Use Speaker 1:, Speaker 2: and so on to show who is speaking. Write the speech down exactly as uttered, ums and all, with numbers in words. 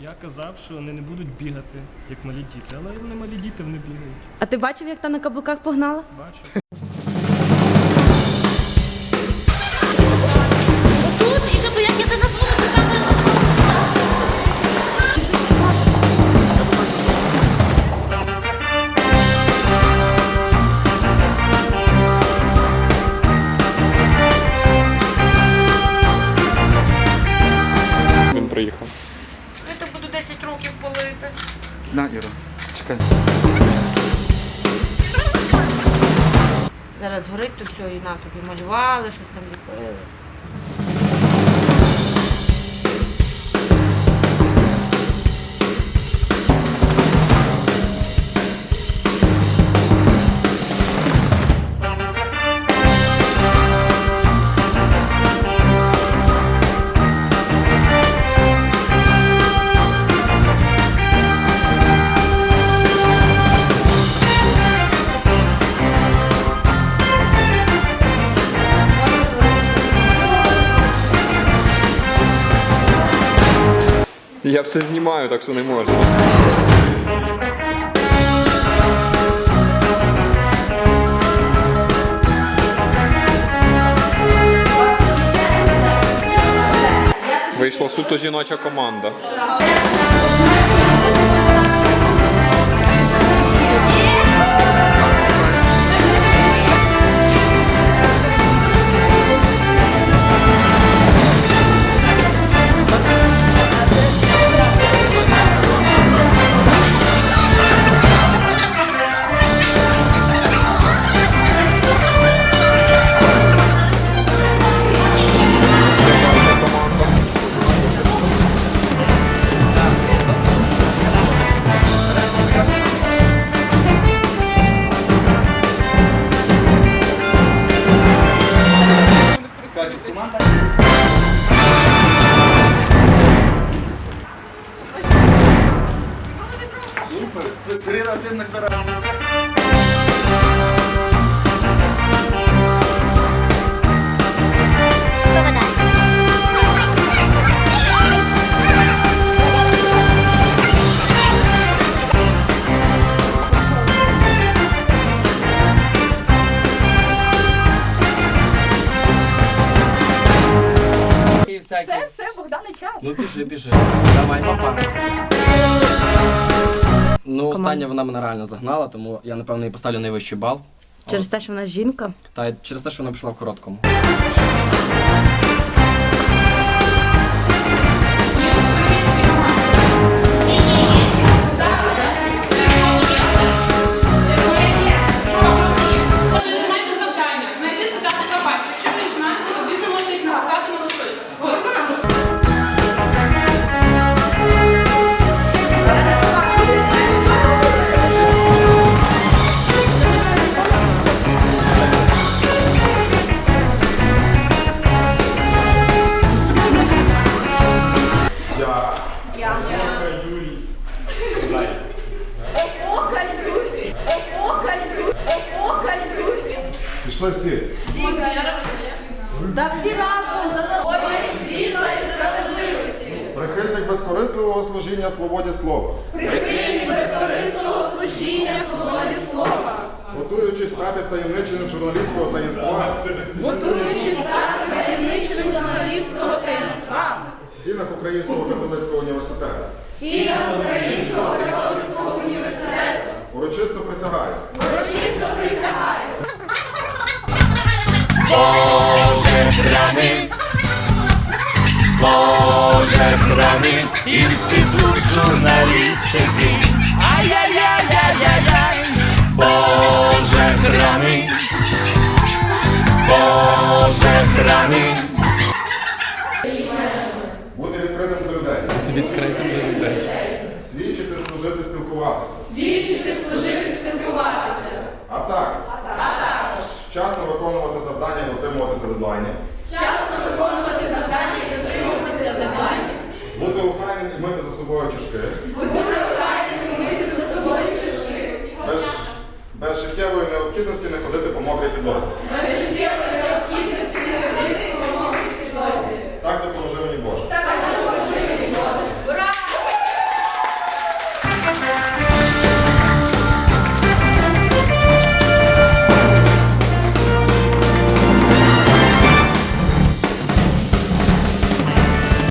Speaker 1: Я казав, що вони не будуть бігати, як малі діти, але вони малі діти, вони бігають.
Speaker 2: А ти бачив, як та на каблуках погнала?
Speaker 1: Бачу.
Speaker 3: Тут, і тобто, як я тебе назву, то там...
Speaker 4: Він приїхав.
Speaker 3: Я то буду десять років палити.
Speaker 4: На, Іра, чекай.
Speaker 3: Зараз горить то все, і на тобі малювали, щось там ліпили.
Speaker 4: Я все знімаю, так що не можна. Вийшла суто жіноча команда.
Speaker 5: Все, все, Богдане, час.
Speaker 6: Ну біжи, біжи. Давай, папа. Ну, остання вона мене реально загнала, тому я, напевно, їй поставлю найвищий бал.
Speaker 2: Через те, що вона жінка?
Speaker 6: Та й через те, що вона пішла в короткому.
Speaker 7: Пішли всі.
Speaker 5: Та всі разом воїн світла і справедливості.
Speaker 7: Прихильник безкорисливого служіння свободі слова.
Speaker 5: Прихильник безкорисливого служіння свободі слова.
Speaker 7: Готуючись стати втаємниченим журналістського таїнства.
Speaker 5: Готуючись стати таємниченим журналістського таїнства.
Speaker 7: В стінах Українського католицького університету.
Speaker 5: В стінах Українського католицького університету.
Speaker 7: Урочисто присягаю.
Speaker 5: Урочисто присягаю.
Speaker 8: Боже храни, Боже храни, інститут журналістики. Ай-яй-яй-яй-яй-яй, Боже храни, Боже храни.
Speaker 7: Бути відкритим до людей.
Speaker 6: Бути відкритим до людей.
Speaker 7: Свідчити, служити, спілкуватися.
Speaker 5: Свідчити, служити, спілкуватися.
Speaker 7: А також. Вчасно виконувати завдання і дотримуватися дедлайнів.
Speaker 5: Вчасно виконувати завдання і дотримуватися дедлайнів.
Speaker 7: Бути охайним і мити за собою чашки.
Speaker 5: Бути охайним і мити за собою чашки.
Speaker 7: Без, без життєвої необхідності не ходити по мокрій підлозі.
Speaker 5: Без